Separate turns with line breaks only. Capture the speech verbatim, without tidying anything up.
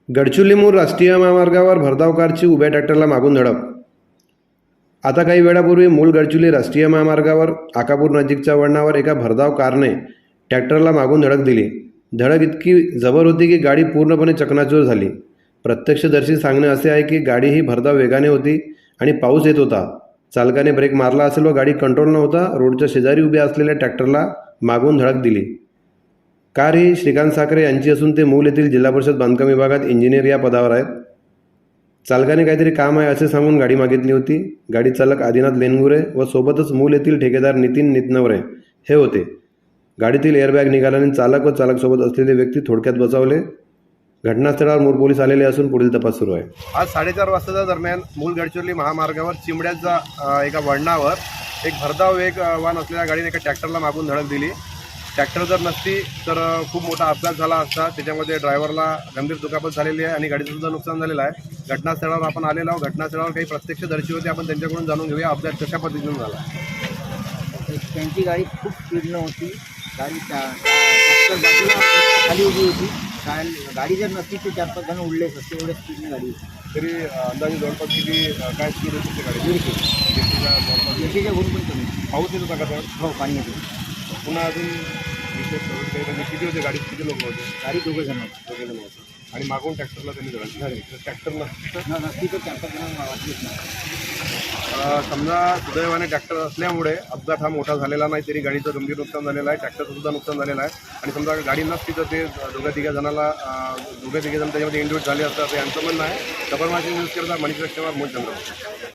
गडचिरोली मूळ राष्ट्रीय महामार्गावर भरधाव कारची उभ्या ट्रॅक्टरला मागून धडक. आता काही वेळापूर्वी मूळ गडचिरोली राष्ट्रीय महामार्गावर आकापूर नजीकच्या वळणावर एका भरधाव कारने ट्रॅक्टरला मागून धडक दिली. धडक इतकी जबर होती की गाडी पूर्णपणे चकनाचूर झाली. प्रत्यक्षदर्शी सांगणे असे आहे की गाडी ही भरधाव वेगाने होती आणि पाऊस येत होता. चालकाने ब्रेक मारला असेल व गाडी कंट्रोल नव्हता रोडच्या शेजारी उभ्या असलेल्या ट्रॅक्टरला मागून धडक दिली. कार ही श्रीकांत साखरे यांची असून ते मूल येथील जिल्हा परिषद बांधकाम विभागात इंजिनियर या पदावर आहेत. चालकाने काहीतरी काम आहे असे सांगून गाडी मागितली होती. गाडी चालक आदिनाथ लेनगुरे व सोबतच मूल येथील ठेकेदार नितीन नितनवरे हे होते. गाडीतील एअरबॅग निघाल्याने चालक व चालकसोबत असलेले व्यक्ती थोडक्यात बचावले. घटनास्थळावर मूळ पोलीस आलेले असून पुढील तपास सुरू आहे.
आज साडेचार वाजताच्या दरम्यान मूळ गडचिरोली महामार्गावर चिमड्याच्या एका वळणावर एक भरधाव वेगवान असलेल्या गाडीने एका ट्रॅक्टरला मागून धडक दिली. ट्रॅक्टर जर नसती तर खूप मोठा अपघात झाला असता. त्याच्यामध्ये ड्रायव्हरला गंभीर दुखापत झालेली आहे आणि गाडीचं सुद्धा नुकसान झालेलं आहे. घटनास्थळावर आपण आलेलो आहोत. घटनास्थळावर काही प्रत्यक्षदर्शी होते, आपण त्यांच्याकडून जाणून घेऊया अपघात कशा पद्धतीने झाला.
त्यांची गाडी खूप स्पीडनं होती. गाडी ट्रॅक्टर बाजूला खाली उभी होती. गाडी जर नसती तर चार पाच जण उडलेच असते, एवढ्या स्पीडने गाडी होती.
तरी अंदाजे जवळपास किती काय स्पीड होती गाडी?
दीडशे
दीडशेच्या
दीडशेच्या गुण पण कमी.
पाऊस येत होता का?
हो, पाणी येते.
पुन्हा अजून विशेष म्हणजे किती होते गाडीत? किती लोक होते?
गाडी दोघं जण होते.
दोघे जण होते आणि मागून ट्रॅक्टरला त्यांनी धडक दिली. ट्रॅक्टर नसतं
न नसती तर चार पाच जण वाचलीच नाही.
समजा सुदैवाने ट्रॅक्टर असल्यामुळे अपघात हा मोठा झालेला नाही, तरी गाडीचं गंभीर नुकसान झालेलं आहे. ट्रॅक्टरचं सुद्धा नुकसान झालेलं आहे. आणि समजा गाडी नसती तर ते दोघ्या तिघ्या जणाला दोघ्या तिघे जण त्याच्यामध्ये इंड्यूट झाले असतात, यांचं म्हणणं आहे. खबरमाची न्यूज करता मणिकृष्णवर मूळ चंद्र.